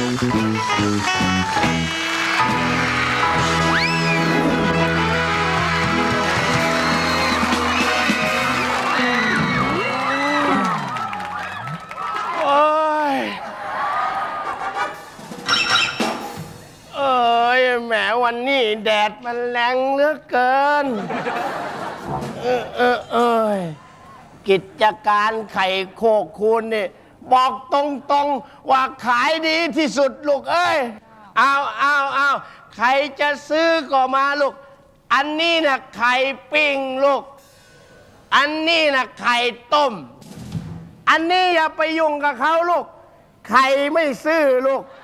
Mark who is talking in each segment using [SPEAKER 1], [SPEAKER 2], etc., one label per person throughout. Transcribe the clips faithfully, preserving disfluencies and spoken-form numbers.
[SPEAKER 1] วันนี้แดดมันแรงเหลือเกินเออเออเออกิจการไข่โคกคูณนี่บอกตรงๆว่าขายดีที่สุดลูกเอ้ยเอาเอาเอาใครจะซื้อก็มาลูกอันนี้นะไข่ปิ้งลูกอันนี้นะไข่ต้มอันนี้อย่าไปยุ่งกับเขาลูกไข่ไม่ซื้อลูก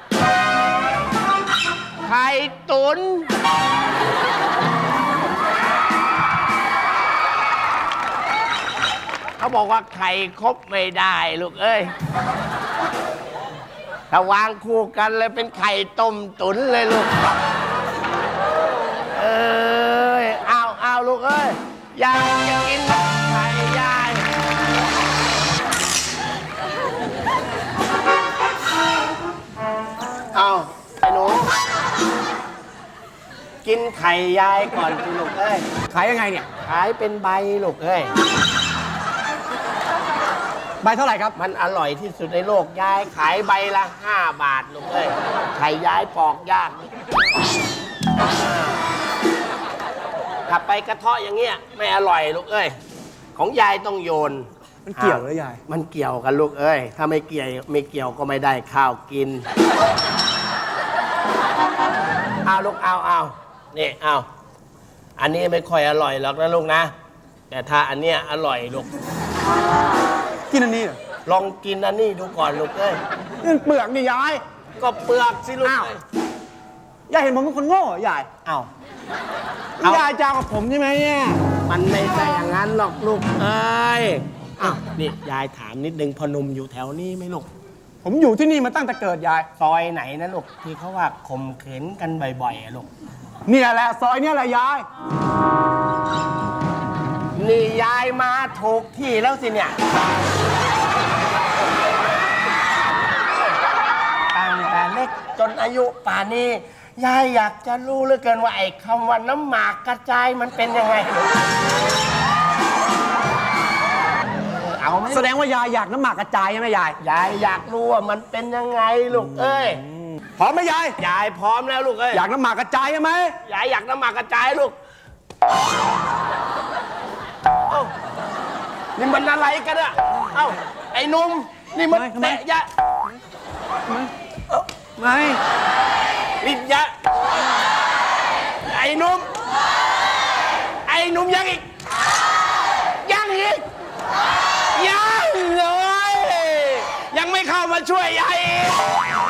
[SPEAKER 1] ไข่ตุ๋นเขาบอกว่าไข่ครบไม่ได้ลูกเอ้ยถ้าวางคู่กันเลยเป็นไข่ต้มตุ๋นเลยลูกเอ้ยเอาเอาลูกเอ้ยยายจะกินไข่ยายเอาไอ้หนูกินไข่ยายก่อนสิลูกเอ้ย
[SPEAKER 2] ขายยังไงเนี่ย
[SPEAKER 1] ขายเป็นใบลูกเอ้ย
[SPEAKER 2] ใบเท่าไหร่ครับ
[SPEAKER 1] มันอร่อยที่สุดในโลกยายขายใบละห้าบาทลูกเอ้ยไข่ยายปอกยากถ้าไปกระเทาะอย่างเงี้ยไม่อร่อยลูกเอ้ยของยายต้องโยน
[SPEAKER 2] มันเกี่ยวหรือยาย
[SPEAKER 1] มันเกี่ยวกันลูกเอ้ยถ้าไม่เกี่ยวไม่เกี่ยวก็ไม่ได้ข้าวกินเอาลูกเอาเอานี่เอาอันนี้ไม่ค่อยอร่อยหรอกนะลูกนะแต่ถ้าอันเนี้ยอร่อยลูก
[SPEAKER 2] กินอันนี้เหรอ
[SPEAKER 1] ลองกินอันนี้ดูก่อนลูกเอ้ย
[SPEAKER 2] นี่เปลือกนี่ยาย
[SPEAKER 1] ก็เปลือกสิลูก
[SPEAKER 2] ยายเห็นผมเป็นคนโง่ยาย
[SPEAKER 1] อ้าวย
[SPEAKER 2] ายจ้ากับผมใช่ไหมเนี่ย
[SPEAKER 1] มันไม่ใช่อย่างนั้นหรอกลูกเอ้ยอ้าวนี่ยายถามนิดนึงพอหนุ่มอยู่แถวนี้ไหมลูก
[SPEAKER 2] ผมอยู่ที่นี่มาตั้งแต่เกิดยาย
[SPEAKER 1] ซอยไหนนะลูกที่เขาว่าข่มขืนกันบ่อยๆลูก
[SPEAKER 2] เนี่ยแหละซอยเนี่ยแหละยาย
[SPEAKER 1] นี่ยายมาถูกที่แล้วสิเนี่ยตั้งแต่เล็กจนอายุป่านนี้ยายอยากจะรู้เหลือเกินว่าไอ้คำว่าน้ำหมากกระจายมันเป็นยังไงเอาไหม
[SPEAKER 2] แสดงว่ายายอยากน้ำหมากกระจายใช่ไหมยาย
[SPEAKER 1] ยายอยากรู้ว่ามันเป็นยังไงลูกเอ้ย
[SPEAKER 2] พร้อมไหมยาย
[SPEAKER 1] ยายพร้อมแล้วลูกเอ้ย
[SPEAKER 2] อยากน้ำหมากกระจายใช่ไหม
[SPEAKER 1] ยายอยากน้ำหมากกระจายลูกเอ้านี่มันอะไรกันอะเอ้าไอ้นุ่มนี่มันเตะยะ
[SPEAKER 2] ไม่
[SPEAKER 1] ลิ้นยะไอ้นุ่มไอ้นุ่มยังอีกยังอีกยังเลยยังไม่เข้ามาช่วยยายอีก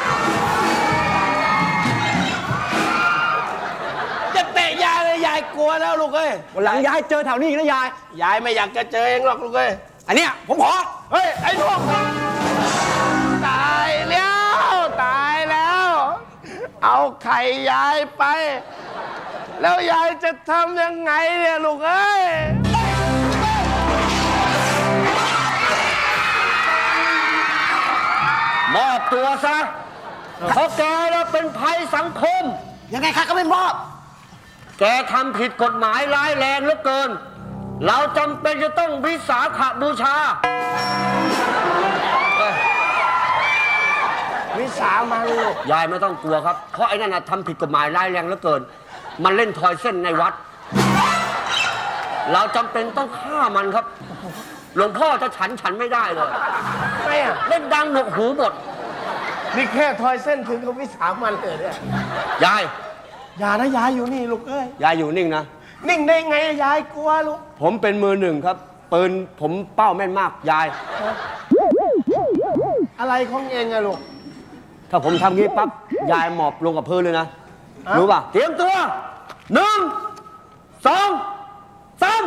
[SPEAKER 1] จะเตะยายเลยยายกลัวแล้วลูกเอ้ย
[SPEAKER 2] วันหลังยายเจอแถวนี้อีกนะยาย
[SPEAKER 1] ยายไม่อยากจะเจอเองหรอกลูกเอ้ย
[SPEAKER 2] อันเนี้ยผมขอ
[SPEAKER 1] เฮ้ยไอ้นุ่มตายแล้วตายแล้วเอาไข่ยายไปแล้วยายจะทำยังไงเนี่ยลูกเอ้ย
[SPEAKER 2] มอบตัวซะเพราะแกเราเป็นภัยสังคม
[SPEAKER 1] ยังไงคะก็ไม่มอบ
[SPEAKER 2] แกทำผิดกฎหมายร้ายแรงเหลือเกินเราจำเป็นจะต้องวิสาขบูชา
[SPEAKER 1] วิสามันลูก
[SPEAKER 2] ยายไม่ต้องกลัวครับเพราะไอ้นั่นทำผิดกฎหมายร้ายแรงเหลือเกินมันเล่นทอยเส้นในวัดเราจำเป็นต้องฆ่ามันครับหลวงพ่อจะฉันฉันไม่ได้เลย
[SPEAKER 1] ไม่อะ
[SPEAKER 2] เล่นดังหนวกหูหมด
[SPEAKER 1] นี่แค่ทอยเส้นถึงกับวิสามันเลยเนี่ย
[SPEAKER 2] ยาย
[SPEAKER 1] อย่านะยายอยู่นี่ลูกเอ้ย
[SPEAKER 2] ยายอยู่นิ่งนะ
[SPEAKER 1] นิ่งได้ไงยายกลัวลูก
[SPEAKER 2] ผมเป็นมือหนึ่งครับปืนผมเป้าแม่นมากยาย
[SPEAKER 1] อะไรของเองอะลูก
[SPEAKER 2] ถ้าผมทำงี้ปั๊บยายหมอบลงกับพื้นเลยนะรู้ป่ะเตรียมตัวหนึ่งสองสาม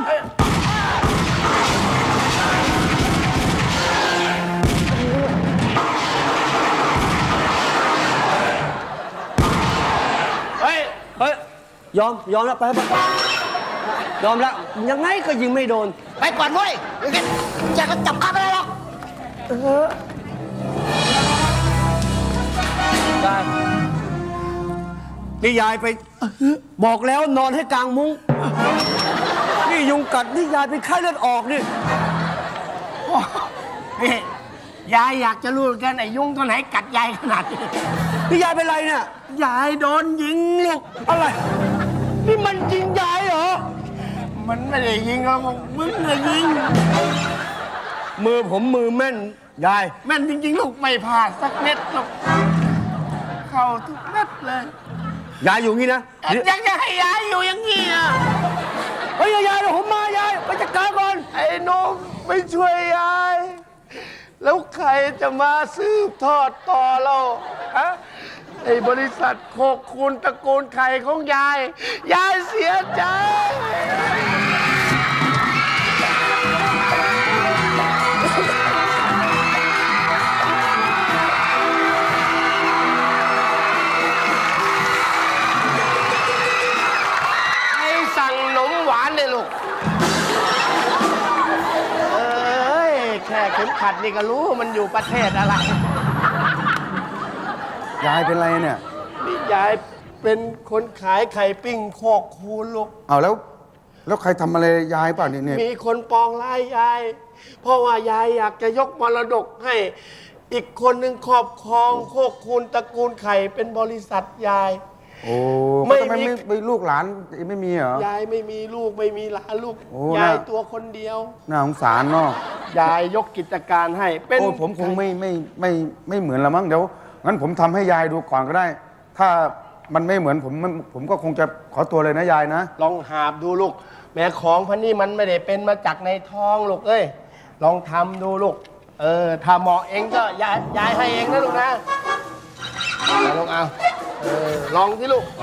[SPEAKER 1] เฮ้ย
[SPEAKER 2] เฮ้ยยอมยอมแล้วไปไปยอมแล้วยังไงก็ยิงไม่โดน
[SPEAKER 1] ไปก่อนเว้ยอยากจะจับข้าไม่ได้หรอก
[SPEAKER 2] ได้นี่ยายไป บอกแล้วนอนให้กลางมุ้งนี่ยุงกัดนี่ยายเป็นไข้เลือดออกนี่
[SPEAKER 1] นี่ยายอยากจะรู้กันไอ้ยุงตัวไหนกัดยายขนาดนี้
[SPEAKER 2] นี่ยายเป็นไรเนี่ย
[SPEAKER 1] ยายโดนยิงลูก
[SPEAKER 2] อะไร นี่มันจริงยายเหรอ
[SPEAKER 1] มันไม่ได้ยิงหรอกมึงเลยยิง
[SPEAKER 2] มือผมมือแม่นยาย
[SPEAKER 1] แม่นจริงๆลูกไม่พลาดสักเม็ดลูกเข้าทุกเม็ดเลย
[SPEAKER 2] ยายอยู่งี้นะ
[SPEAKER 1] ยังจะให้ยายอยู่อย่างนี้อ่ะ
[SPEAKER 2] เฮ้ยยายเดี๋ยวผมมายายไปจัดการก่อน
[SPEAKER 1] ไอ้นกไม่ช่วยยาย แล้วใครจะมาสืบทอดต่อเราฮะไอ้บริษัทโคกคูณตระกูลไข่ของยาย ยายเสียใจ ให้สั่งขนมหวานเลยลูก เอ้ย แค่เข็มขัดนี่ก็รู้มันอยู่ประเทศอะไร
[SPEAKER 3] ยายเป็นไรเนี่ย
[SPEAKER 1] นี่ยายเป็นคนขายไข่ปิ้งโคกคูณลูก
[SPEAKER 3] เอาแล้ว แล้วใครทำอะไรยายเปล่าเนี่ยเนี่ย
[SPEAKER 1] มีคนปองร้ายยาย เพราะว่ายายอยากจะยกมรดกให้ อีกคนหนึ่งครอบครองโคกคูณตระกูลไข่เป็นบริษัทยาย
[SPEAKER 3] โอ้
[SPEAKER 1] ไม่
[SPEAKER 3] ทำไม
[SPEAKER 1] มี
[SPEAKER 3] ไม่ไม่ลูกหลานไม่มีเหรอ
[SPEAKER 1] ยายไม่มีลูกไม่มีหลานลูก
[SPEAKER 3] โอ้
[SPEAKER 1] ยาย
[SPEAKER 3] น่า
[SPEAKER 1] ตัวคนเดียว
[SPEAKER 3] น่าสงสารเนาะ
[SPEAKER 1] ยายยกกิจการให้ เป็น
[SPEAKER 3] โอ้ผมคงไม่ไม่ไม่ไม่เหมือนละมั้งเดี๋ยวงั้นผมทำให้ยายดูก่อนก็ได้ ถ้ามันไม่เหมือนผมมันผมก็คงจะขอตัวเลยนะยายนะ
[SPEAKER 1] ลองหาบดูลูก แม่ของพันนี่มันไม่ได้เป็นมาจากในท้องลูกเอ้ย ลองทำดูลูก เออถ้าเหมาะเองก็ยายยายให้เองนะลูกนะเอาลองเอาเออลองที่ลูก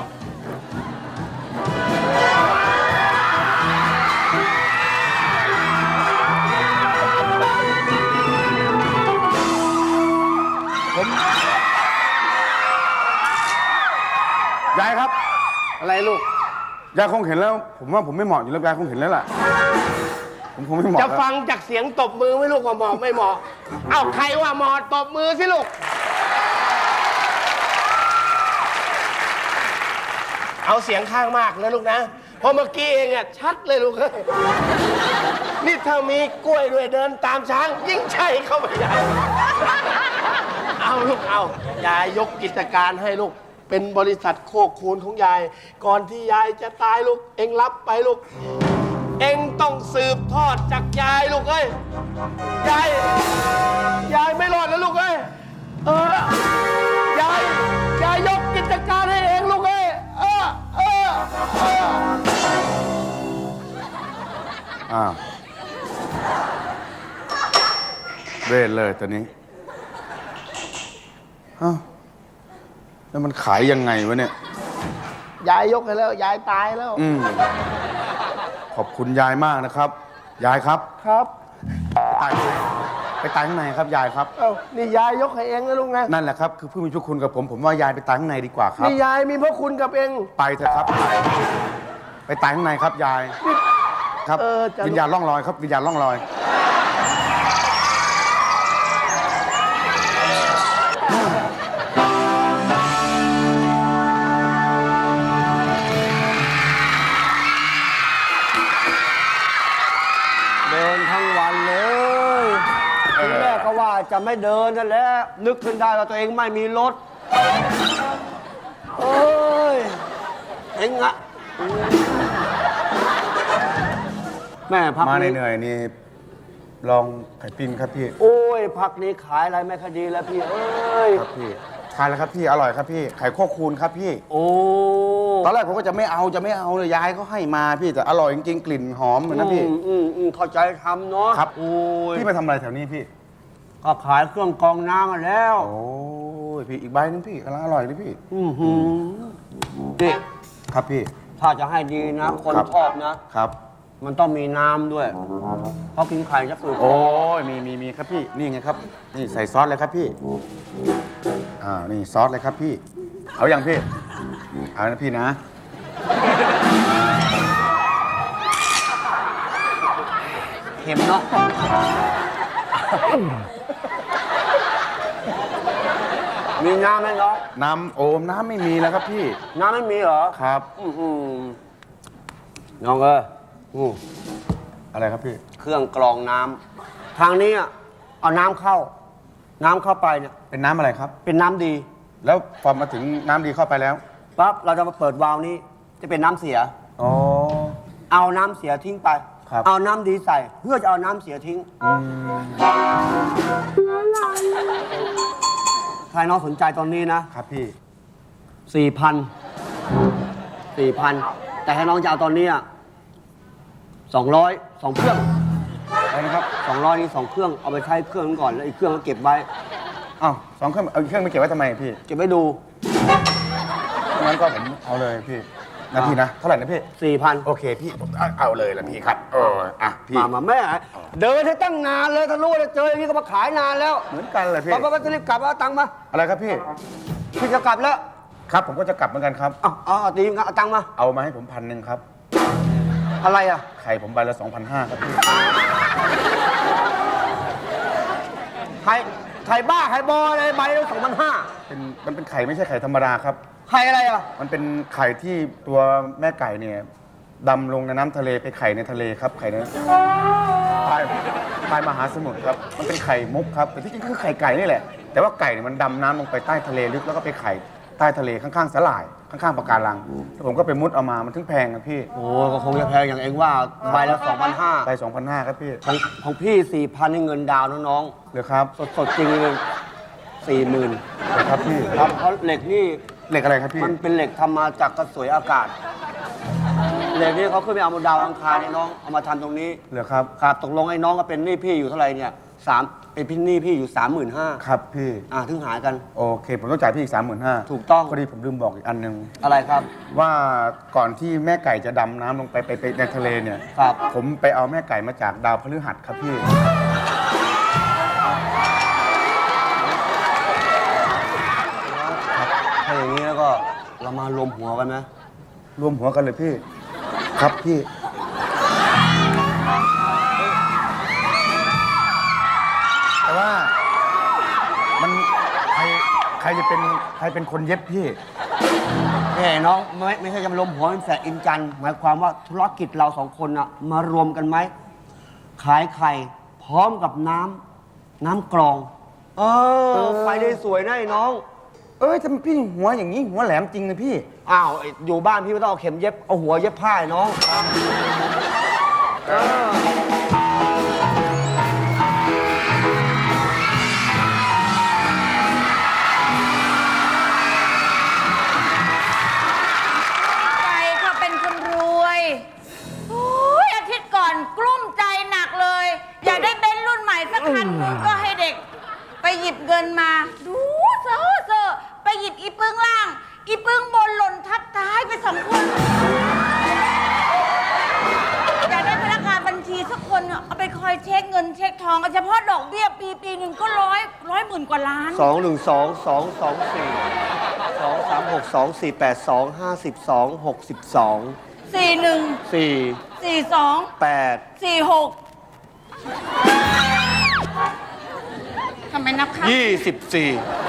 [SPEAKER 3] ยายครับ
[SPEAKER 1] อะไรลูก
[SPEAKER 3] ยายคงเห็นแล้ว ผมว่าผมไม่เหมาะอยู่แล้วยายคงเห็นแล้วล่ะผมคงไม่เหมาะ
[SPEAKER 1] จะ
[SPEAKER 3] แล้ว
[SPEAKER 1] ฟังจากเสียงตบมือไหม่ลูกว่าเหมาะไม่เหมาะ เอ้าใครว่าเหมาะตบมือสิลูก เอาเสียงข้างมากนะลูกนะ เพราะเมื่อกี้เองอะชัดเลยลูกเอ้ยนี่ถ้ามีกล้วยด้วยเดินตามช้าง ยิ่งใช่เข้าไปใหญ่ เอาลูกเอายายยกกิจการให้ลูก เป็นบริษัทโคกคูณของยาย ก่อนที่ยายจะตายลูก เองรับไปลูก เองต้องสืบทอดจากยายลูกเอ้ย ยาย ยายไม่รอดแล้วลูกเอ้ย เออ ยาย ยายยกกิจการให้เองลูกเอ้ย เออ เออ เออ
[SPEAKER 3] อ้าวเวทเลยตอนนี้อ้าวแล้วมันขายยังไงวะเนี่ย
[SPEAKER 1] ยายยกให้แล้ว ยายตายแล้ว
[SPEAKER 3] อืมขอบคุณยายมากนะครับ ยายครับ
[SPEAKER 1] ครับ
[SPEAKER 3] ตายไปตายข้างในครับยายครับ
[SPEAKER 1] เอ้านี่ยายยกให้เองนะลูกนะ
[SPEAKER 3] นั่นแหละครับคือผู้มีพระคุณกับผมผมว่ายายไปตายข้างในดีกว่าครับ
[SPEAKER 1] นี่ยายมีพระคุณกับเอง
[SPEAKER 3] ไปเถอะครับไปไปตายข้างในครับยายครับ
[SPEAKER 1] เออจะ
[SPEAKER 3] วิญญาณล่องลอยครับวิญญาณล่องลอย
[SPEAKER 2] เดินทั้งวันเลยทีแรกก็ว่าจะไม่เดินนั่นแหละนึกขึ้นได้ว่าตัวเองไม่มีรถเอ้ยเอ็งอะแม่พัก
[SPEAKER 3] มา
[SPEAKER 2] นี้
[SPEAKER 3] เหนื่อยๆนี่ลองไข่ปิ้งครับพี่
[SPEAKER 2] โอ้ยพักนี้ขายอะไรไม่คอยดีแล้วพี่เอ้ย
[SPEAKER 3] ครับพี่ทานแล้วครับพี่อร่อยครับพี่ไข่โคกคูณครับพี่
[SPEAKER 2] โอ้
[SPEAKER 3] ตอนแรกผมก็จะไม่เอาจะไม่เอาเลยยายเขาให้มาพี่แต่อร่อยจริงๆกลิ่นหอมเหมือนนะพี่
[SPEAKER 2] อืมอืมอืมเข้าใจทำเนาะ
[SPEAKER 3] ครับ
[SPEAKER 2] โอ้ย
[SPEAKER 3] พี่มาทำอะไรแถวนี้พี่
[SPEAKER 2] ก็ขายเครื่องกรองน้ำมาแล้ว
[SPEAKER 3] โอ้ยพี่อีกใบหนึงพี่กำลังอร่อยเลยพี่
[SPEAKER 2] อือหือนี่
[SPEAKER 3] ครับพี่
[SPEAKER 2] ถ้าจะให้ดีนะ คน
[SPEAKER 3] ครับ
[SPEAKER 2] ชอบนะ
[SPEAKER 3] ครับ
[SPEAKER 2] มันต้องมีน้ำด้วย เพราะกินไข่จะฝืด
[SPEAKER 3] โอ้ยมีมีมีครับพี่นี่ไงครับ นี่ใส่ซอสเลยครับพี่อ่านี่ซอสเลยครับพี่ เอาอย่างพี่เอานะพี่นะ
[SPEAKER 2] เค็มเนาะมีน้ำไหมน้อง
[SPEAKER 3] น้ำโอมน้ำไม่มีแล้วครับพี่
[SPEAKER 2] น้ำไม่มีเหรอ
[SPEAKER 3] ครับ
[SPEAKER 2] อื้อหือน้องเอ้ยอืม
[SPEAKER 3] อะไรครับพี่
[SPEAKER 2] เครื่องกรองน้ำทางนี้อะเอาน้ำเข้า น้ำเข้าไปเนี่ย
[SPEAKER 3] เป็นน้ำอะไรครับ
[SPEAKER 2] เป็นน้ำดี
[SPEAKER 3] แล้วพอมาถึงน้ำดีเข้าไปแล้ว
[SPEAKER 2] ปั๊บเราจะมาเปิดวาล์วนี้ จะเป็นน้ำเสีย
[SPEAKER 3] อ๋อ
[SPEAKER 2] เอาน้ำเสียทิ้งไป
[SPEAKER 3] ครับ
[SPEAKER 2] เอาน้ำดีใส่ เพื่อจะเอาน้ำเสียทิ้ง
[SPEAKER 3] อืม
[SPEAKER 2] ใครน้องสนใจตอนนี้นะ
[SPEAKER 3] ครับพี่
[SPEAKER 2] สี่พันสี่พันแต่ให้น้องจะเอาตอนนี้สองร้อยสองเครื่อง
[SPEAKER 3] อะไรนะครับ
[SPEAKER 2] สองร้อยนี่สองเครื่องเอาไปใช้เครื่องนึงก่อนแล้วอีกเครื่องก็เก็บไว้
[SPEAKER 3] อ้าวสองเครื่องเอาอีกเครื่องไปเก็บไว้ทำไมพี่
[SPEAKER 2] เก็บไว้ดู
[SPEAKER 3] งั้นก็ผมเอาเลยพี่นะพี่นะ เท่าไหร่นะพี่
[SPEAKER 2] สี่พัน
[SPEAKER 3] โอเคพี่ผมเอาเอาเลยละพี่ครับเอออ่ะพี่
[SPEAKER 2] มามาแม่ เดินให้ตั้งนานเลยถ้ารู้ว่าจะเจออย่างนี้ก็มาขายนานแล้ว
[SPEAKER 3] เหมือนกันเลยพี่
[SPEAKER 2] ป้าป้าจะรีบกลับเอาตังค์มา
[SPEAKER 3] อะไรครับพี่
[SPEAKER 2] พี่จะกลับแล้ว
[SPEAKER 3] ครับผมก็จะกลับเหมือนกันครับ
[SPEAKER 2] เอาเอาเอาตีมครับเอาตังค์มา
[SPEAKER 3] เอามาให้ผมพันหนึ่งครับ
[SPEAKER 2] อะไรอ่ะ
[SPEAKER 3] ไข่ผมใบละสองพันห้าครับพี่
[SPEAKER 2] ไข่ไข่บ้าไข่บออะไรใบละสองพันห้า
[SPEAKER 3] เป็นมันเป็นไข่ไม่ใช่ไข่ธรรมดาครับ
[SPEAKER 2] ไข่อะไรอ่ะ
[SPEAKER 3] มันเป็นไข่ที่ตัวแม่ไก่เนี่ยดำลงในน้ำทะเลไปไข่ในทะเลครับ ไข่ในใต้ใต้มหาสมุทรครับ มันเป็นไข่มุกครับ แต่ที่จริงคือไข่ไก่นี่แหละ แต่ว่าไก่เนี่ยมันดำน้ำลงไปใต้ทะเลลึกแล้วก็ไปไข่ใต้ทะเลข้างๆสลาย ข้างๆปะการังแล้วผมก็ไปมุดเอามา มันถึงแพงครับพี่
[SPEAKER 2] โอ้ก็คงจะแพงอย่างเองว่าใบละสองพันห้า
[SPEAKER 3] ไปสองพันห้าครับพี่
[SPEAKER 2] ของของพี่สี่พันนี่เงินดาวน์นะน้อง
[SPEAKER 3] เหรือครับ
[SPEAKER 2] สดสดๆจริงเลยสี่หมื่น
[SPEAKER 3] เหรือครับพี่
[SPEAKER 2] ครับเพราะเหล็กนี่
[SPEAKER 3] เหล็กอะไรครับพี่
[SPEAKER 2] มันเป็นเหล็กทำมาจากกระสวยอากาศ เหล็กนี่เขาขึ้นไปเอาบนดาวอังคารเนี่ยน้องเอามาทำตรงนี้
[SPEAKER 3] เหรือครับ
[SPEAKER 2] ครับตกลงไอ้น้องก็เป็นหนี้พี่อยู่เท่าไหร่เนี่ยสามไอ้พี่หนี้พี่อยู่สามหมื่นห้า
[SPEAKER 3] ครับพี่
[SPEAKER 2] อ่าถึงหายกัน
[SPEAKER 3] โอเค ผมต้องจ่ายพี่อีกสามหมื่นห้า
[SPEAKER 2] ถูกต้อง
[SPEAKER 3] พอดีผมลืมบอกอีกอันหนึ่ง
[SPEAKER 2] อะไรครับ
[SPEAKER 3] ว่าก่อนที่แม่ไก่จะดำน้ำลงไปไปไปในทะเลเนี่ย
[SPEAKER 2] ครับ
[SPEAKER 3] ผมไปเอาแม่ไก่มาจากดาวพฤหัสครับพี่
[SPEAKER 2] ถ้าอย่างนี้แล้วก็เรามารวมหัวกันไหม
[SPEAKER 3] รวมหัวกันเลยพี่ ครับพี่ แต่ว่ามันใครใครจะเป็นใครเป็นคนเย็บพี่
[SPEAKER 2] แหมน้องไม่ไม่ใช่จะมารวมหัวเป็นแฝดอินจันทร์หมายความว่าธุรกิจเราสองคนอะมารวมกันไหมขายไข่พร้อมกับน้ำน้ำกรอง เออไปได้สวยนะไอ้น้อง
[SPEAKER 3] เอ้ยทำไมพี่หัวอย่างนี้หัวแหลมจริงเลยพี่
[SPEAKER 2] อ้าวไอ้อยู่บ้านพี่ไม่ต้องเอาเข็มเย็บ เอาหัวเย็บผ้าไอ้น้องเออ
[SPEAKER 4] ใครเขาเป็นคนรวยโอ้ยอาทิตย์ก่อนกลุ้มใจหนักเลย อยากได้เบนซ์รุ่นใหม่สักคันหนึงก็ให้เด็ก ไปหยิบเงินมา ดูเซอเซอไปหยิบอีปึ้งล่าง อีปึ้งบนหล่นทับท้ายไปสองคน อยากได้พนักงานบัญชีสักคนเอาไปคอยเช็คเงินเช็คทองเฉพาะดอกเบี้ยปีปีหนึ่งก็ร้อยร้อยหมื่นกว่าล้าน
[SPEAKER 2] สองหนึ่งสองสองสองสี่สองสามหกสองสี่แปดสองห้าสิบสองหกสิบสอง
[SPEAKER 4] สี่หนึ่ง
[SPEAKER 2] สี่
[SPEAKER 4] สี่สอง
[SPEAKER 2] แปด
[SPEAKER 4] สี่หกทำไมนับคะ
[SPEAKER 2] ยี่สิบสี่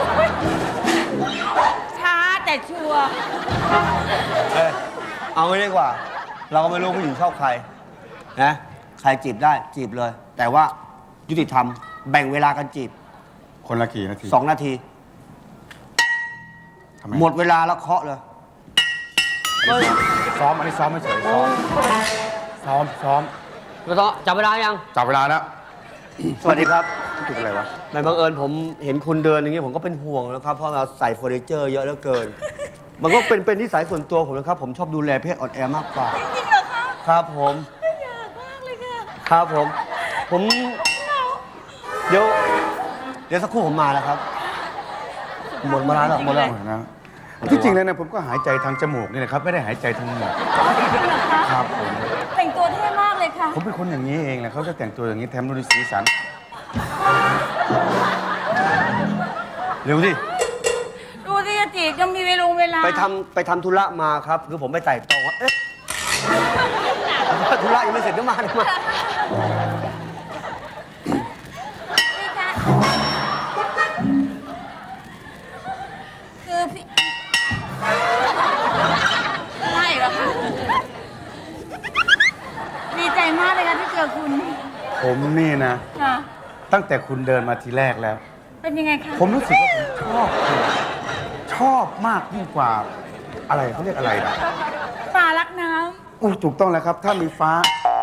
[SPEAKER 4] ช้าแต่ชัวร์
[SPEAKER 2] เอ้ยเอางี้ดีกว่า เราก็ไม่รู้ผู้หญิงชอบใครนะใครจีบได้จีบเลย แต่ว่ายุติธรรมแบ่งเวลากันจีบ
[SPEAKER 3] คนละกี่นาที
[SPEAKER 2] สองนาที
[SPEAKER 3] ทำไม
[SPEAKER 2] หมดเวลาแล้วเคาะเลย
[SPEAKER 3] ซ้อมอันนี้ซ้อมไม่เฉยซ้อมซ้อมซ้อม
[SPEAKER 2] ก็ต้องจับเวลายัง
[SPEAKER 3] จับเวลาแล้ว
[SPEAKER 2] สวัสดีครับ
[SPEAKER 3] ถูกอะไรวะ
[SPEAKER 2] ในบังเอิญผมเห็นคุณเดินอย่างนี้ผมก็เป็นห่วงนะครับ เพราะเราใส่เฟอร์นิเจอร์เยอะเหลือเกิน มันก็เป็นเป็นนิสัยส่วนตัวผมนะครับ ผมชอบดูแลเพศอ่อนแอมากกว่า
[SPEAKER 4] จริงเหรอคะ
[SPEAKER 2] ครับผม
[SPEAKER 4] อยากมากเลยค่ะ
[SPEAKER 2] ครับผม ผม เดี๋ยว เดี๋ยวสักครู่ผมมาแล้วครับ หมดเวลาแล้วหมดแล้ว
[SPEAKER 3] นะที่จริงแล้วนะผมก็หายใจทางจมูกนี่แหละครับ ไม่ได้หายใจทางหมอก
[SPEAKER 4] จริงเหรอคะ
[SPEAKER 3] ครับผม
[SPEAKER 4] แต่งตัวเท่มากเลยค่ะ
[SPEAKER 3] ผมเป็นคนอย่างนี้เองแหละเขาจะแต่งตัวอย่างนี้แถมดูดีสีสัน
[SPEAKER 2] เร็วสิ
[SPEAKER 4] ดูสิอาจีจะมีเวลาเวลา
[SPEAKER 2] ไปทำไปทำธุระมาครับ คือผมไปไต่ตองว่าเอ๊ะธุระยังไม่เสร็จก็มาเลยมา
[SPEAKER 4] นี่ค่ะ
[SPEAKER 3] ผมนี่นะ
[SPEAKER 4] ค่ะ
[SPEAKER 3] ตั้งแต่คุณเดินมาทีแรกแล้ว
[SPEAKER 4] เป็นยังไงคะ
[SPEAKER 3] ผมรู้สึกว่าผมชอบคุณชอบมากยิ่งกว่าอะไรเขาเรียกอะไรนะ
[SPEAKER 4] ปลารักน้
[SPEAKER 3] อู้ถูกต้องแล้วครับ ถ้ามีฟ้า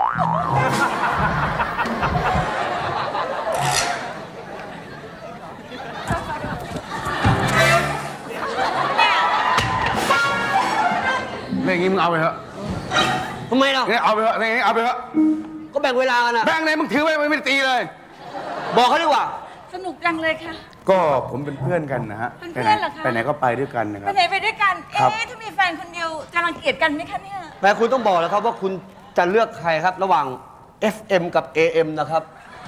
[SPEAKER 3] เรื่องนี้มึงเอาไปเถอะ
[SPEAKER 2] ทำไมเรา
[SPEAKER 3] เนี่ยเอาไปเถอะเรื่องนี้เอาไปเถอะ
[SPEAKER 2] ก็แบ่งเวลากันนะ
[SPEAKER 3] แบงค์ไหนมึงถือไว้ไม่ได้ตีเลย
[SPEAKER 2] บอกเขาดีกว่า
[SPEAKER 4] ำสนุกจังเลยค่ะ
[SPEAKER 3] ก็ผมเป็นเพื่อนกันนะฮะ
[SPEAKER 4] เป็นเพื่อนเหรอคะ
[SPEAKER 3] ไปไหนก็ไปด้วยกันนะค
[SPEAKER 4] ไป
[SPEAKER 3] รับ
[SPEAKER 4] ไหนไปด้วยกัน
[SPEAKER 3] ครับ
[SPEAKER 4] เอ๊ะถ้ามีแฟนคนเดียวจะรังเกียจกันไหมคะเนี่ย
[SPEAKER 2] แต่คุณต้องบอกแล้วครับว่าคุณจะเลือกใครครับ ระหว่าง เอฟ เอ็ม กับ เอ เอ็ม นะครับ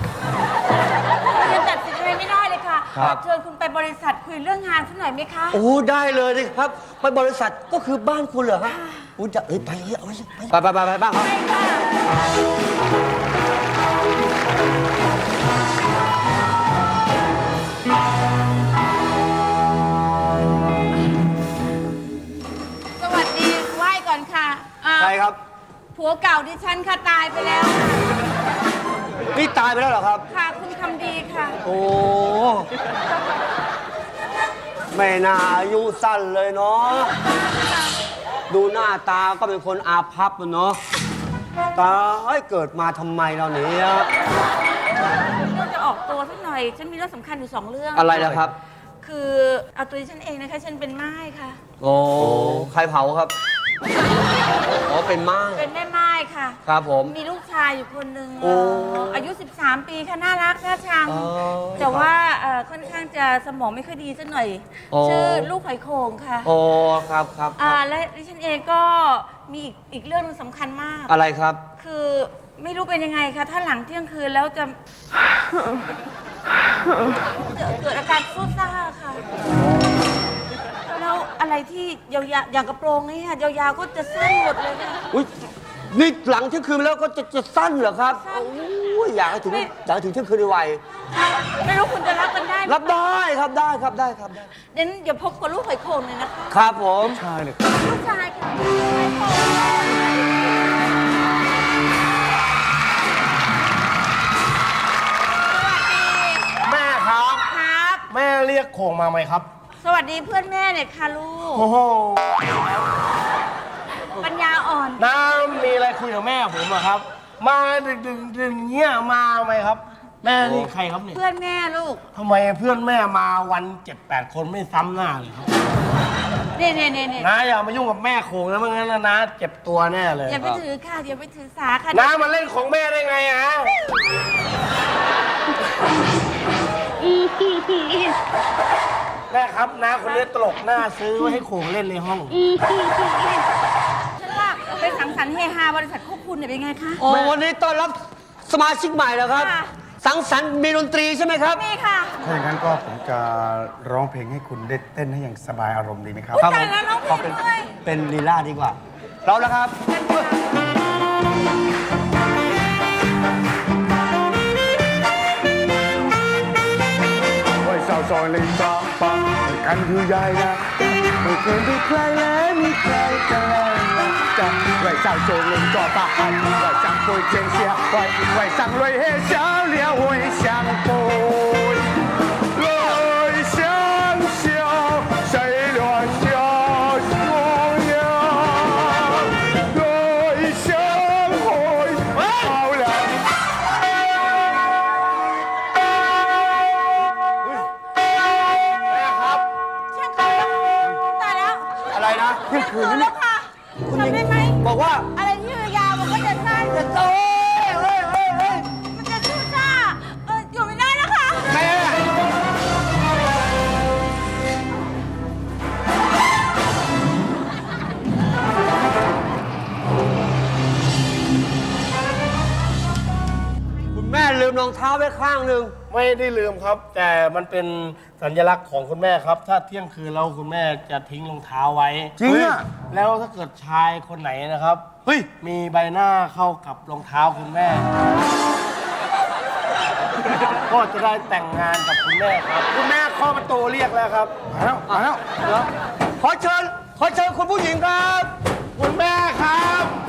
[SPEAKER 4] ยังตัดสินอะไรไม่ได้เลยค่ะ
[SPEAKER 2] ครับ
[SPEAKER 4] เชิญคุณไปบริษัทคุยเรื่องงานสักหน่อยไหมคะ
[SPEAKER 2] โอ้ได้เลยดิครับ ไปบริษัทก็คือบ้านคุณเหรอฮะคุณจะเอ้ยไปเลยเอาไปสิไปไปไปไปบ้างครับ
[SPEAKER 4] ไปค่ะสวัสดีไหว้ก่อนค่ะอ่า
[SPEAKER 2] ใครครับ
[SPEAKER 4] ผัวเก่าดิฉันค่ะตายไปแล้ว
[SPEAKER 2] นี่ตายไปแล้วเหรอครับ
[SPEAKER 4] ค่ะคุณคำดีค่ะ
[SPEAKER 2] โอ้ไม่น่าอายุสั้นเลยเนาะ ดูหน้าตาก็เป็นคนอาภัพอะเนาะ ตายเกิดมาทำไมเราเนี่ย
[SPEAKER 4] เรื่องจะออกตัวสักหน่อย ฉันมีเรื่องสำคัญอยู่สองเรื่อง
[SPEAKER 2] อะไรนะครับ
[SPEAKER 4] คือเอาตัวฉันเองนะคะ ฉันเป็นม่ายค่ะ
[SPEAKER 2] โอ้ ใครเผาครับ อ๋อ เป็นม่าย
[SPEAKER 4] เป็นแม่ม่ายค่ะ
[SPEAKER 2] ครับผม
[SPEAKER 4] มีลูกชายอยู่คนหนึ่ง
[SPEAKER 2] โอ้
[SPEAKER 4] อายุ สิบสาม ปีค่ะ น่ารักน่าชัง
[SPEAKER 2] อ๋อ
[SPEAKER 4] แต่ว่าเอ่อค่อนข้างจะสมองไม่ค่อยดีสักหน่อย
[SPEAKER 2] โอ้
[SPEAKER 4] ชื่อลูกหอยโข่งค่ะ
[SPEAKER 2] โอ้ ครับครับค
[SPEAKER 4] อ่า
[SPEAKER 2] รับ
[SPEAKER 4] และดิฉันเองก็มีอีกอีกเรื่องหนึงสำคัญมาก
[SPEAKER 2] อะไรครับ
[SPEAKER 4] คือไม่รู้เป็นยังไงคะถ้าหลังเที่ยงคืนแล้วจะ จะเกิดอาการซุดซ่าค่ะ แล้วอะไรที่ยาวๆอย่างกระโปรงนี่ค่ะยาวๆก็จะสั้นหมดเลยค่ะ
[SPEAKER 2] อุ้ยนี่หลังเที่ยงคืนไปแล้วก็จะจะสั้นเหรอครับ
[SPEAKER 4] สั้น
[SPEAKER 2] โอ้ยอยากให้ถึง
[SPEAKER 4] ไม่
[SPEAKER 2] อยากให้ถึงเที่ยงคืนไว
[SPEAKER 4] ไม่รู้คุณจะรับกันได้ไหม
[SPEAKER 2] ๆรับได้ครับได้ครับได้ครับได้
[SPEAKER 4] เดี๋ยวเดี๋ยวพบกับลูกหอยโข่งเลยนะคะ
[SPEAKER 2] ครับผม
[SPEAKER 3] ใช่เลย
[SPEAKER 4] ลูกชายค่ะหอยโข่ง
[SPEAKER 1] แม่ครับ
[SPEAKER 4] ครับ
[SPEAKER 1] แม่เรียกโขงมาไหมครับ
[SPEAKER 4] สวัสดีเพื่อนแม่หน่อยค่ะลูก
[SPEAKER 1] โอ้โห
[SPEAKER 4] ปัญญาอ่อน
[SPEAKER 1] น้ามีอะไรคุยกับแม่ผมอะครับ มาดึกดึกดึกเงี้ยมาไหมครับ แม่นี่ใครครับเนี่ย
[SPEAKER 4] เพื่อนแม่ลูก
[SPEAKER 1] ทำไมเพื่อนแม่มาวันเจ็ดแปดคนไม่ซ้ำหน้าเลยครับ
[SPEAKER 4] เนี่ยเนี่ยเนี่ยเนี่ย
[SPEAKER 1] น้าอย่ามายุ่งกับแม่โขงนะไม่งั้นนะน้าเจ็บตัวแน่เลย
[SPEAKER 4] อย่าไปถือค่ะอย่าไปถือสาค่ะ
[SPEAKER 1] น้ามาเล่นของแม่ได้ไงอะแม่ครับน้าคนนี้ตลกหน้าซื้อไว้ให้โขงเล่นในห้อง
[SPEAKER 4] ฉันว่าไปสังสรรค์เฮฮาบริษัทควบคุณเนี่ยเป็นไงคะ
[SPEAKER 2] โอ้วันนี้ต้อนรับสมาชิกใหม่แล้วครับ
[SPEAKER 4] ค่ะ
[SPEAKER 2] สังสรรค์มีดนตรีใช่ไหมครับ
[SPEAKER 4] นี่ค่ะ
[SPEAKER 3] ถ้าอย่างนั้นก็ผมจะร้องเพลงให้คุณได้เต้นให้อย่างสบายอารมณ์ดีไหมครับ
[SPEAKER 4] อุ๊ย
[SPEAKER 2] ครับ
[SPEAKER 4] ตายแล้วน้องเพล
[SPEAKER 2] ของ เป็น
[SPEAKER 4] ด้วย
[SPEAKER 2] เป็นลีลาดีกว่าเราแล้วครับ
[SPEAKER 3] ไว้สาวซอยเลยจ้าปังกันคือยายนะไม่เคยมีใครแล้วมีใครกันแล้วนะจะไว้สาวโจเลยจ้าปังไว้上会见下ไว้ไว้上泪黑笑脸会相逢泪相笑谁乱笑模样泪相会好了
[SPEAKER 1] แม่ครับ
[SPEAKER 4] ช่างเขาตายแล้ว
[SPEAKER 2] อะไรนะ
[SPEAKER 4] เที่ยงคืนแล้วค่ะทำได้ไหม
[SPEAKER 2] บอกว่า
[SPEAKER 4] อะไรที่ยาวๆมันก็จะสั้นจะโต
[SPEAKER 2] เฮ้ยเฮ้ยเฮ้ย
[SPEAKER 4] มันจะสู้ซ่าเอออยู่ไม่ได้นะคะ
[SPEAKER 2] แม่ คุณแม่ลืมรองเท้าไว้ข้างหนึ่ง
[SPEAKER 1] ไม่ได้ลืมครับ แต่มันเป็นสัญลักษณ์ของคุณแม่ครับ ถ้าเที่ยงคืนแล้วคุณแม่จะทิ้งรองเท้าไว้
[SPEAKER 3] จริงอะ
[SPEAKER 1] แล้วถ้าเกิดชายคนไหนนะครับ
[SPEAKER 3] เฮ้ย
[SPEAKER 1] มีใบหน้าเข้ากับรองเท้าคุณแม่ ก็จะได้แต่งงานกับคุณแม่ครับ คุณแม่เคาะประตูเรียกแล้วครับ
[SPEAKER 3] มาแล้วมาแล้ว
[SPEAKER 2] เหรอขอเชิญ ขอเชิญคุณผู้หญิงครับ
[SPEAKER 1] คุณแม่ครับ